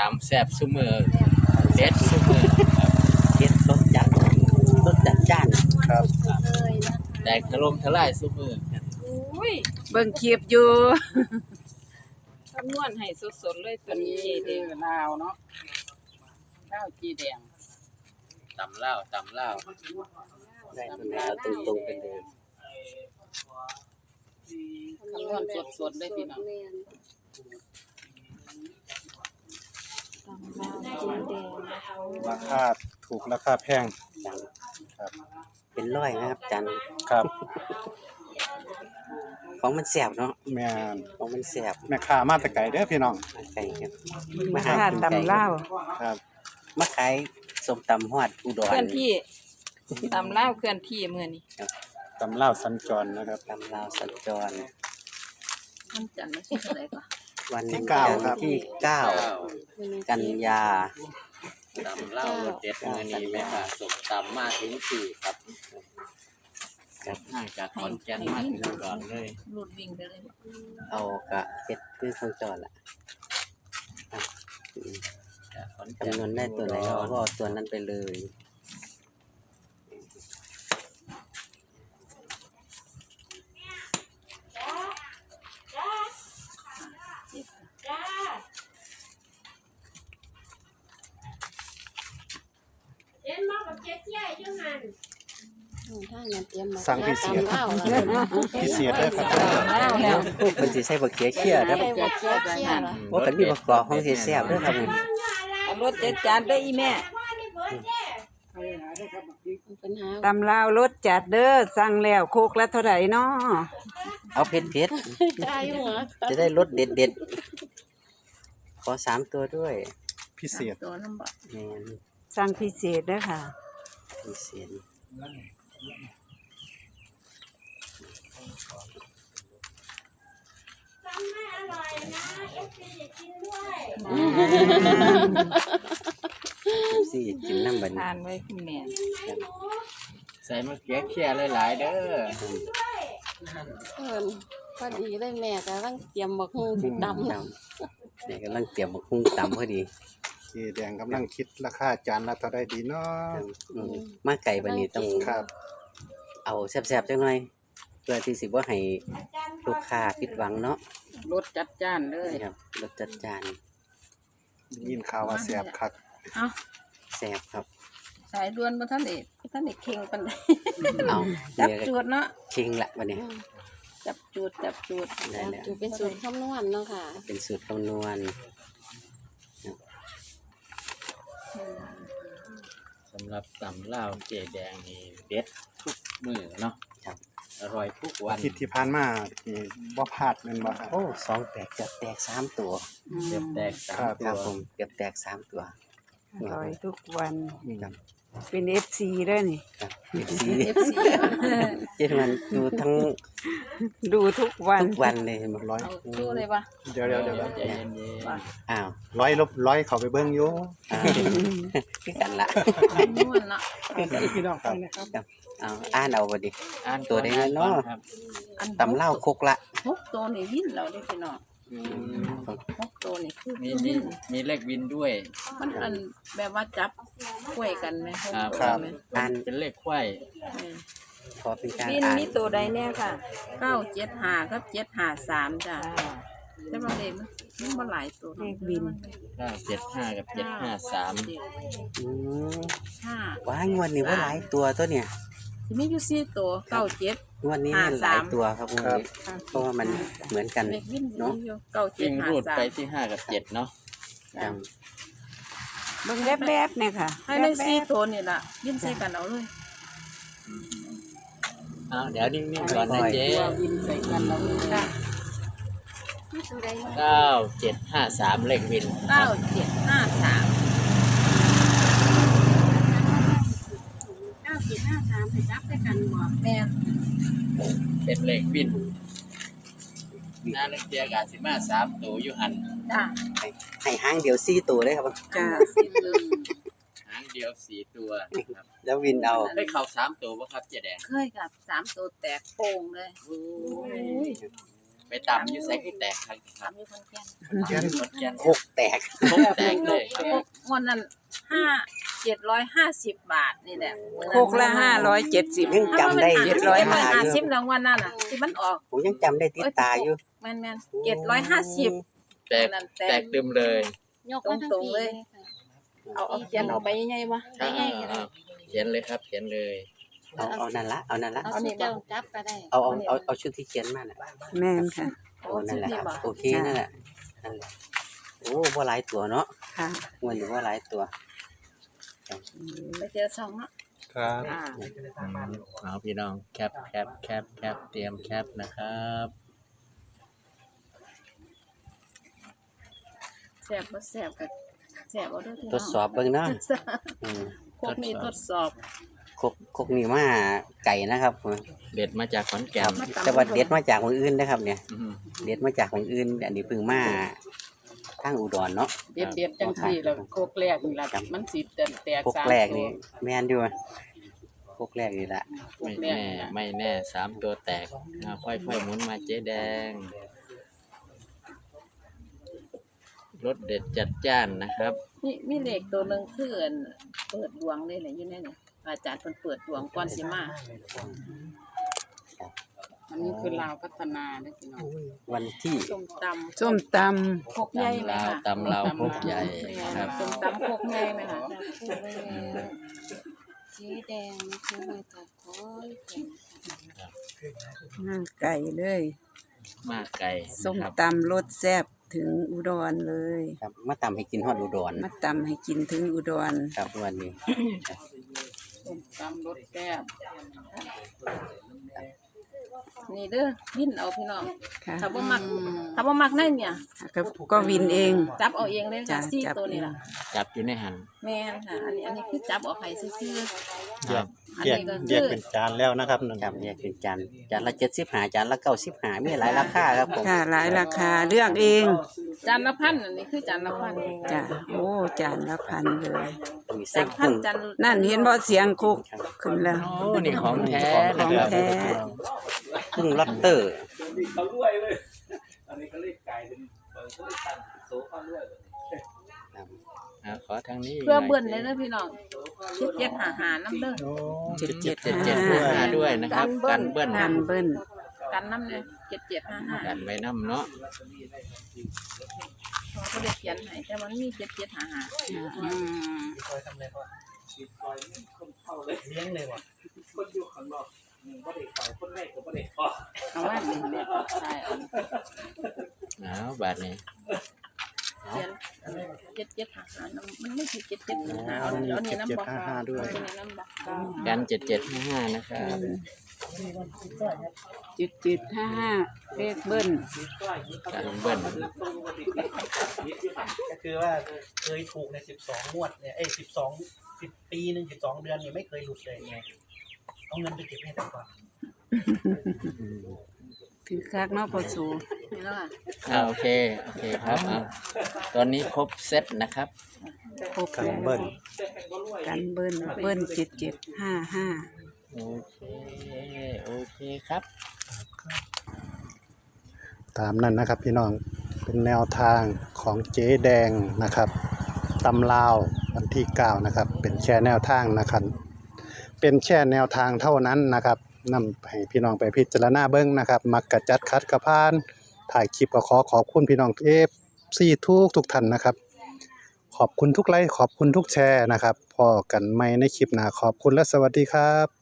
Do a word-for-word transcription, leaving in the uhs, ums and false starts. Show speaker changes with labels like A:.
A: ตำแซ่บซุมื้อเด็ดซุมื้อครับ
B: เฮ็ดรสจัดรสจัดจ้าน
C: ครับ
D: เลยนะ
A: แตกถล่มทลายซุมื้อครับ
D: อุ้ย
E: เบิ่งคลิปอยู่
D: คำนวณให้สดๆเลยตัวนี้
E: นี่เด้อลาวเนาะลาวจีแดง
A: ตำลาวตำลาว
B: ได้ตัวไหนเอาตรงๆไปเลย
E: คำนวณสดๆเลยพี่น้อง
D: ตำลาวจีนแดงนะคะ
C: ราคาถูกราคาแพง
B: จัง
C: ครับ
B: เป็นร้อยนะครับจัน
C: ครับ
B: ของมันแซ่บเนาะ
C: แม่น
B: ของมันแซ่บ
C: แม่ค้ามาแต่ไกลเด้อพี่น้อง
B: ไก่ครับ
E: มา
B: ห
E: หา
B: กิน
E: ตำลาว
C: ครับ
B: มาขายส้มตำฮอดอุดร
D: เคลื่อนที่ตำลาวเคลื่อนที่มื้อนี้
C: ตำลาวสัญจรนะครับ
B: ตำลาวสัญจร
D: มันจันทร์ที่เท่าไหร่ก่อน
B: วัน
C: ที่เก้าครับ
B: ที่เก้ากันยา
A: ตำลาวรสเด็ดมื้อนี้แม่ค่ะส่งตำมาถึงที่ครับจากห่างจากขอนแก่นมาถึงอุดรเลย
D: หลุดวิ่งไปเลย
B: เอากะเฮ็ดคือสัญจรล่ะอ่ะอืม
A: จากขอนแก่น
B: จำนวนได้ตัวไหนเราก็เอาตัวนั้นไปเลย
F: เอ็นมากับเจ๊เจ๊จังหัน
D: ถ้างั้นเตรียมมา
C: สั่งพิเศษ
D: ตำลาว
C: พิเศษเด้อครับ
D: ลาวแล้ว
B: มันสิใส่บักเขียเขี้ยครับ
D: ใส่บักเขียเขี้ยเหรอ
B: ว่ากันมีประกอบของสิแซ่บเด้อครับผม
D: เอารถเจ็ดจานเด้ออีแม่
F: พ่อนี่เบิร์ดเจ๊
D: ปัญหา
E: ตำลาวรสจัดเด้อสั่งแล้วโคกละเท่าไหร่น้อ
B: เอาเผ็ดเผ็ด
D: ได้อยู่เหรอ
B: ๆจะได้รสเด็ดเด็ดๆขอสามตัวด้วย
C: พิเศษ
D: ตัวน้ำบ่
B: แม่น
E: สั่งพิเศษเด้อค่ะ
B: พิเศษ
F: ทำให้อร่อยนะเอฟซีจะกินด้วย
B: สิกินน้ำบัด
D: ทานไว้คุณแม่
A: ใส่มะเขือเคี่ยหลายๆเด้อ
D: เอิ้นพอดีเลยแม่กำลังเตรียมบักฮู้สิตำ
B: จำนี่กำลังเตรียมบักหุ่งตำพอดี
C: เจแดงกำลังคิดราคาจานละเท่าใดดีเนาะ
B: อืมมาไก่บัดนี้ต้อง
C: ครับ
B: เอาแซ่บๆจังหน่อยเพื่อที่สิบ่ให้ลูกค้าผิดหวังเนาะ
E: รสจัดจ้านเลย
B: นี่ครับรสจัดจาน
C: ยินข่าวว่าแซ่บคัก
D: เอ้า
B: แซ่บครับ
D: สายด่วนบ่ทันได้บ่ทันได้เข่งปานใด
B: เอา
D: จับ
B: เดี๋ยว
D: จูดเนาะ
B: เชิงละบัดนี้
D: จับจูดจับจูด
B: ได้แล้ว
D: จูดเป็นสูตรคำนวณเนาะค่ะ
B: เป็นสูตรคำนวณ
A: สำหรับตำลาวเจแดงนี่เด็ดทุกมื้อเนาะ
B: ครับ
A: อร่อยทุกวั
C: อาน ทิตย์ที่ผ่านมานี่บ่พลาดแม่นบ่ครับ
B: โอ้สองแตกจะแตกสามตัว
A: เกือบแตกสาม
C: ครับ
A: ตั
B: ครับ
A: ว
B: ผมเกือบแตกสามตัว
E: อร่อยทุกวัน
B: ครับ
E: เป็น เอฟ ซี เด้อนี่
B: ครับเอฟซี
D: เอฟซี
B: เจ็ดวันดูทั้ง
E: ดูทุกวัน
B: ทุกวันเลยหมด
C: ร้อย
D: เอาชูเลยป่ะ
C: เดี๋ยวเดี๋ยวเดี๋ยว
A: ใจเย็น
B: อ้าว
C: ร้อยลบร้อยเข้าไปเบิ่งอยู่
B: อ้าวคือกันละ
D: คำนวณเนาะ
C: พี่น้องครับ
B: ครับอ้าวอ่านเอาบ่ดิ
A: ๆอ่าน
B: ตัวใด
A: ก่อ
B: เนาะ
A: ครับ
D: อัน
B: ตำเล่าวคกละ
D: หกตัวนี่วิ่นเราได้พี่น้อง
A: อืม
D: หกตัวนี่คือ
A: มี
D: คือ
A: มี
D: วิ่น
A: มีเลขวินด้วย
D: มันอันแบบว่าจับกล้วยกันไหมหก
A: ครับ
D: ตัวไหม
B: อ่าน
A: เป็นเลขไขว้
D: เออ
B: ขอเป็นการ
E: บิน
B: อ่าน
E: มีตัวใดแน่ค่ะ
D: เก้าเจ็ดห้าครับเจ็ดห้าสามจ้ะแต่ว่าเลขมันมันบ่หลายตัว
E: เลขบิน
A: เก้าเจ็ดห้ากับเจ็ดห้าสาม
D: เจ็ด
B: อืม
D: ห้า
B: ว้ายงวดนี้ว่าหลายตัวตัวเนี่ย
D: ที่มีอยู่สี่ตัวเก้าเจ็ด
B: งวดนี้
D: ห้า
B: เนี่ยหลาย
D: สาม
B: ตัวครับงวดนี้เพราะว่ามันเหมือนกัน
D: เลขวิ่น
B: เนาะ
D: อยู่เก้าเจ็
A: วิ่
D: ด
A: ง
D: ห้า
A: รูด
D: สา
A: ไป
D: ม
A: ที่ห้ากับเจ็ดเนาะ
B: ครับ
E: เบิ่งแวบๆเนี่ยค่ะ
D: ให้ในสี่
E: แวบ
D: ตัวนี่ล่ะวิ่นใส่กันเอาเลย
A: อ้าวเดี๋ยวนิ่งๆก่อนนะเจ๊
D: ตัววิ่นใส่กันเอาเลยจ้ะ
A: เก้าเจ็ดห้าสามเลขวิน
D: เก้าเจ็ดห้าสาม
F: เก้าสิบห้าสามไปจับด้วยกันบ่
D: แม่น
A: เป็นเลขวินหน้าเลขเดียกาสิมาสามตัวอยู่หัน
D: จ้ะ
B: ให้ให้หางเดียวสี่ตัวเลยครับ
E: ๆจ้า
D: สิบหนึ่ง
A: หางเดียวสี่ตัวครับ
B: แล้ววินเอา
A: ได้เข่าสามตัวป่ะครับเจ๊แดง
D: เคยกับสามตัวแตกโป่งเลย
A: โอ้ยไปตำอยู่ไสคือแตกครับครับ
F: มีคนแก่น
C: เขียน
A: ขอนแก่น
B: โคกแตก
A: โคกแตกเลยครับ
F: งวดนั้นห้าเจ็ดร้อยห้าสิบบาทนี่แหละ
E: โคกละห้าร้อยเจ็ดสิบ
B: ยังจำได้
F: เจ็ดร้อยห้าสิบรางวัลนั่นน่ะที่มันออก
B: ผมยังจำได้ติดตาอยู่
F: แม่นแม่นเจ็ดร้อยห้าสิบ
A: แตกแตกตึมเลย
D: ยกมาทั้ง
F: ตรง
D: ปี
F: ๆเลย เอาเอาเขียนเอาไปยังไงวะ
A: อ่าเขียนเลยครับเขียนเลย
B: เอาเอานั่นละเอานั่นละ
D: เอาสิเจ้าจับก็ได้
B: เอาเอาเอาเอาชุดที่เขียนมาน่ะ
E: แม่นค่ะ
B: โอ้นั่นแหละครับโอเคนั่นแหละนั่นแหละโอ้บ่หลายตัวเนาะ
E: ค่ะ
B: มันอยู่บ่หลายตัว
F: ไปเจอสองเนาะ
C: ครับ
F: อ่า
A: เอาพี่น้องแคปแคปแคปแคปเตรียมแคปนะครับ
F: แซ่บบ่แซ่บก็แซ่บเอาเด้อพี่น้อง
B: ทดสอบเบิ่งเนาะอืม
F: พวกนี้ทดสอบ
B: คกคกนี่มาไก่นะครับ
A: เด็ดมาจากขอนแก่
B: ครั
A: น
B: บแต่ว่าเด็ดมาจากคนอื่นนะครับเนี่ย
A: อืม
B: เด็ดมาจากคนอื่น อันนี้เพิ่งมาทางอุดรเนาะ
G: เด็ดเด็ดจังซี่แล้วโคกแรกนี่ล่ะมันสิแตกแตก
B: คก
G: สาม
B: แรกนี่
G: ตัว
B: แม่นอยู่คกแรกนี่แหละ
A: ไม่แน่ไม่แน่สามตัวแตกอ่าค่อยๆหมุนมาเจ๊แดงรสเด็ดจัดจ้านนะครับ
F: มีมีเลขตัวหนึงคืออันเปิดดวงเลยแหละอยู่ในนี่อาจารย์เพิ่นเปิดดวงก่อนสิมา
G: อันนี้คือลาวพัฒนาเด้อพี่น้อง
B: วันที่
F: ส้มตำ
E: ส้มต
F: พกใหญ่ไหม
A: ลาว
F: คะ
A: ตำลาวพกใหญ่ครับ
F: ส้มตำพกใหญ่ไหมคะ
D: สีแดงนะคะมาจากขอนแก่น
E: ำห้างไก่เลย
A: มากไก่
E: ส้ม
A: นะครับ
E: ตำรสแซ่บถึงอุดรเลย
B: ครับมาตำให้กินฮอดอุดร
E: มาตำให้กินถึงอุดร
B: ครับวันนี้
G: ส้มตำรสแซ่บ
F: นี่เด้อวินเอาพี่น้อง
E: ค่ะ
F: ถ้าบ่มักถ้าบ่มักในเนี่ย
E: ก็ก็วินเอง
F: จับเอาเองเลย
E: จ้ะ
F: ค่ะซี่
E: จับ
F: ตัวนี้
E: เอง
F: ล่ะ
A: จับอยู่ในหัน
F: แม่นค่ะ อันนี้อันนี้คือจับเอาไข่ซื่อ
A: ครับ
F: ๆอัน
C: แยก
F: นี้ก็
C: แย
F: คื
C: ก
F: อ
C: เป็นจานแล้วนะครับนั่น
B: ครับแยกเป็นจานจานละเจ็ดสิบห้าจานละเก้าสิบห้ามีหลายราคาครับผม
E: ค่ะหลายราคาเลือกเอง
F: จานละพันอันนี้คือจานละพัน
E: จ้ะโอ้จานละพันเลย
B: มี
F: จา
B: เส้
F: น
B: น
F: พั
B: กุ้
F: น
B: ง
F: จาน
E: นั่นเห็นบ่เสียงคุกขึ้นแล้ว
A: โอ้นี่ของแท้
E: ข
A: นะ
E: อง
A: ครับ
E: แท้
B: กุ้งล็อตเตอร์
A: อ่าขอทางนี้
F: เพื่อเบิ่นเลยเด้อพี่น้องคิดเจ็ดหาหาน้ำเด้อ
C: โอ้
E: เจ็ดเจ็ด
A: เจ็ด
E: ห้า
A: เจ็ดห้าห้าด้วยนะครับ
F: กั
A: กัน
F: นเบิ้
A: เบิ้
F: ล
A: ล
E: กันเบิ้ล
F: กันน้ำเลยเจ็ดเจ็ดห้าห้า
A: กันไว้น้ำเนาะ
F: เขาได้เขียนให้แต่มันมีเจ็ดเจ็ดหาหา
G: อืม เอาว่านี่แหละใช่เอา
A: เอาบาทนี้
F: เขียนเจ็ดเจ็ดหาหามันไม่ใช่เจ็ดเจ็ดหาหาเอาเอานี่น้ำบอกเอานี่น้ำบอก
A: กันเจ็ดเจ็ดห้าห้านะครับ
E: เจ็ดเจ็ดห้าห้าเลขเบิ้ล
A: กันเบิ้ล
H: ก็คือว่าเคยถูกในสิบสองงวดเนี่ยเอ้สิบสองสิบปีหนึ่งสิบสองเดือนเนี่ยไม่เคยหลุดเลยไงเอาเงินไปเก็บให้แต่ก่อน
E: ถือคักเนาะพอสู
F: นี่แล้วค่ะ
A: อ่าโอเคโอเคครับเอาตอนนี้ครบเซตนะครับ
E: ครบ
C: กัน
E: แล้ว
C: เบิ้ล
E: กันเบิ้ลเบิ้ลเจ็ดเจ็ดห้าห้า
A: โอเคโอเคครับ
C: ตามนั้นนะครับพี่น้องเป็นแนวทางของเจ๊แดงนะครับตำลาววันที่เก้านะครับเป็นแค่แนวทางนะครับเป็นแค่แนวทางเท่านั้นนะครับนำให้พี่น้องไปพิจารณาเบิ้งนะครับมักกะจัดคัดกระพานถ่ายคลิปก็ขอขอบคุณพี่น้องเอฟซีทุกทุกท่านนะครับขอบคุณทุกไลค์ขอบคุณทุกแชร์นะครับพอกันใหม่ในคลิปหน้าขอบคุณและสวัสดีครับ